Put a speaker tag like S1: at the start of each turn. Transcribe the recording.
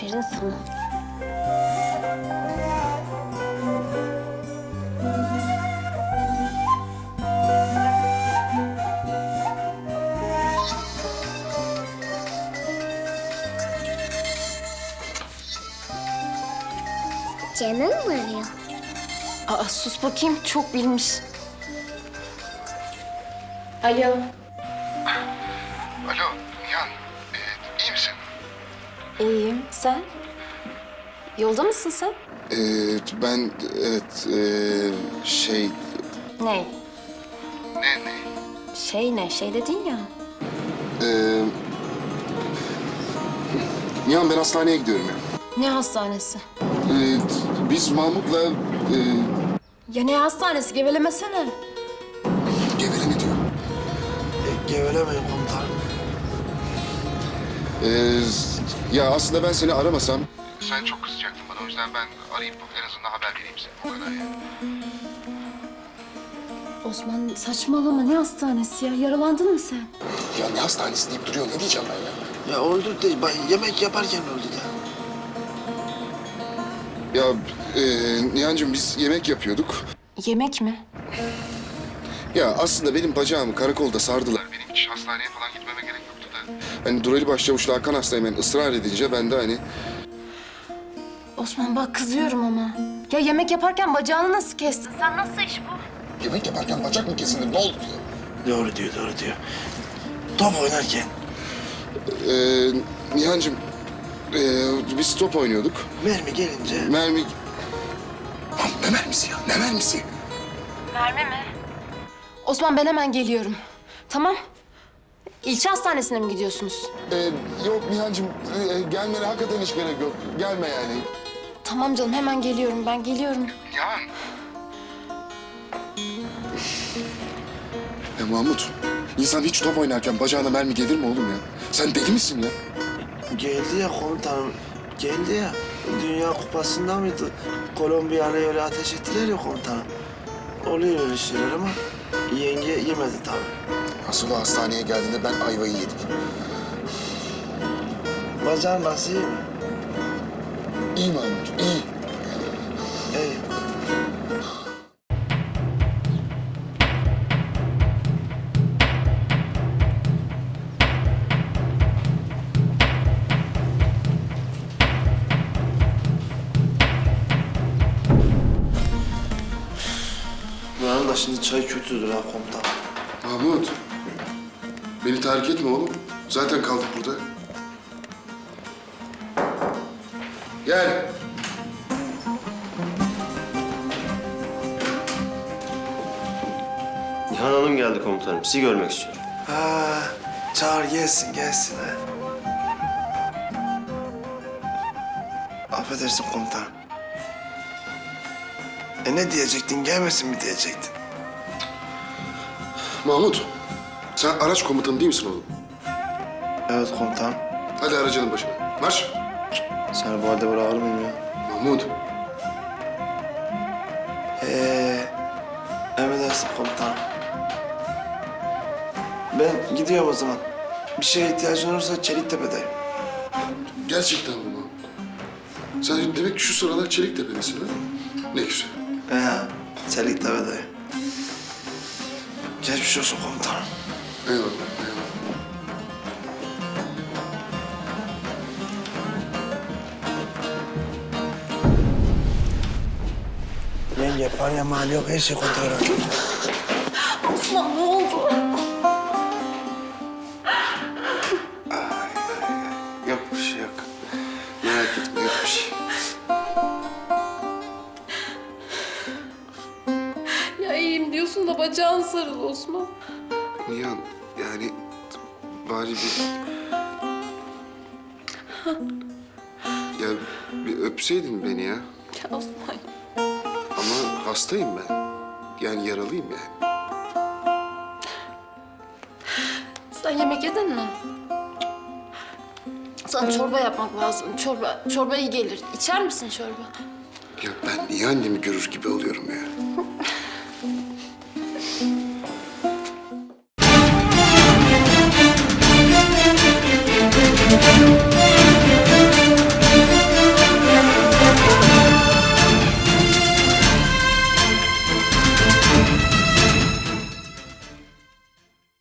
S1: Aferin sana. Canım mı arıyor?
S2: Aa, sus bakayım, çok bilmiş. Alo.
S3: Alo Nihan, iyi misin?
S2: İyiyim, sen? Yolda mısın sen?
S3: Ben evet
S2: Ne?
S3: ne?
S2: Şey dedin ya.
S3: Nihan ben hastaneye gidiyorum ya.
S2: Ne hastanesi?
S3: Biz Mahmut'la
S2: Ya ne hastanesi, gevelemesene.
S3: geveleme diyor.
S4: Gevelemeyin komutanım.
S3: Ya aslında ben seni aramasam... Sen çok kızacaktın bana, o yüzden ben arayıp en azından haber vereyim size. O kadar ya.
S2: Osman saçmalama, ne hastanesi ya? Yaralandın mı sen?
S3: Ya ne hastanesi deyip duruyor, ne diyeceğim ben ya?
S4: Ya öldü de yemek yaparken öldü de.
S3: Ya Nihan'cığım biz yemek yapıyorduk.
S2: Yemek mi?
S3: Ya aslında benim bacağımı karakolda sardılar. Benim hiç hastaneye falan gitmeme gerek yoktu da. Hani Durali Başçavuş'la Hakan hastayım ben ısrar edince ben de hani...
S2: Osman bak, kızıyorum ama. Ya yemek yaparken bacağını nasıl kestin? Sen nasıl iş bu?
S3: Yemek yaparken bacak mı kesilir, ne oldu diyor.
S4: Doğru diyor. Top oynarken.
S3: Nihan'cığım biz top oynuyorduk.
S4: Mermi gelince.
S3: Mermi... Lan ne mermisi ya, ne mermisi?
S2: Osman ben hemen geliyorum. Tamam. İlçe hastanesine mi gidiyorsunuz?
S3: Yok Nihan'cığım gelmene hakikaten hiç gerek yok. Gelme yani.
S2: Tamam canım, hemen geliyorum, ben geliyorum.
S3: Nihan. Ya Mahmut, insan hiç top oynarken bacağına mermi gelir mi oğlum ya? Sen deli misin ya?
S4: Geldi ya komutanım. Geldi ya. Dünya Kupası'nda mıydı? Kolombiya'ya öyle ateş ettiler ya komutanım. Oluyor öyle şeyler ama yenge yemedi tabii.
S3: Asıl o hastaneye geldiğinde ben ayvayı yedim.
S4: Bacağın nasıl iyi mi?
S3: İyi Mahmut, iyi.
S4: İyi. Buranın da şimdi çay kötüdür ha komutan.
S3: Mahmut, beni terk etme oğlum. Zaten kaldık burada. Gel.
S5: Nihan Hanım geldi komutanım. Sizi görmek istiyor.
S4: Ha, çağır gelsin ha. Affedersin komutanım. Ne diyecektin, gelmesin mi diyecektin?
S3: Mahmut, sen araç komutanı değil misin oğlum?
S4: Evet komutanım.
S3: Hadi aracının başına. Marş.
S4: Seni bu halde bırakır mıyım ya?
S3: Mahmut,
S4: Emredersin komutanım. Ben gidiyorum o zaman. Bir şeye ihtiyacın olursa Çeliktepe'deyim.
S3: gerçekten mi Mahmut? Sen demek ki şu sıralar Çeliktepe'desin ha? Ne güzel.
S4: Çeliktepe'deyim. Geçmiş olsun komutanım.
S3: Eyvallah, eyvallah.
S4: Yenge, paraya mal yok, her şey kontrol ediyorum.
S2: Osman ne oldu?
S3: Yok bir şey yok. Merak etme, yok bir şey.
S2: Ya iyiyim diyorsun da bacağın sarılı Osman.
S3: Nihan, yani bari bir... Ya bir öpseydin beni ya.
S2: Ya Osman.
S3: Ama hastayım ben. Yani yaralıyım yani.
S2: Sen yemek yedin mi? Sana çorba yapmak lazım. Çorba iyi gelir. İçer misin çorba?
S3: Ya ben niye annemi görür gibi oluyorum ya?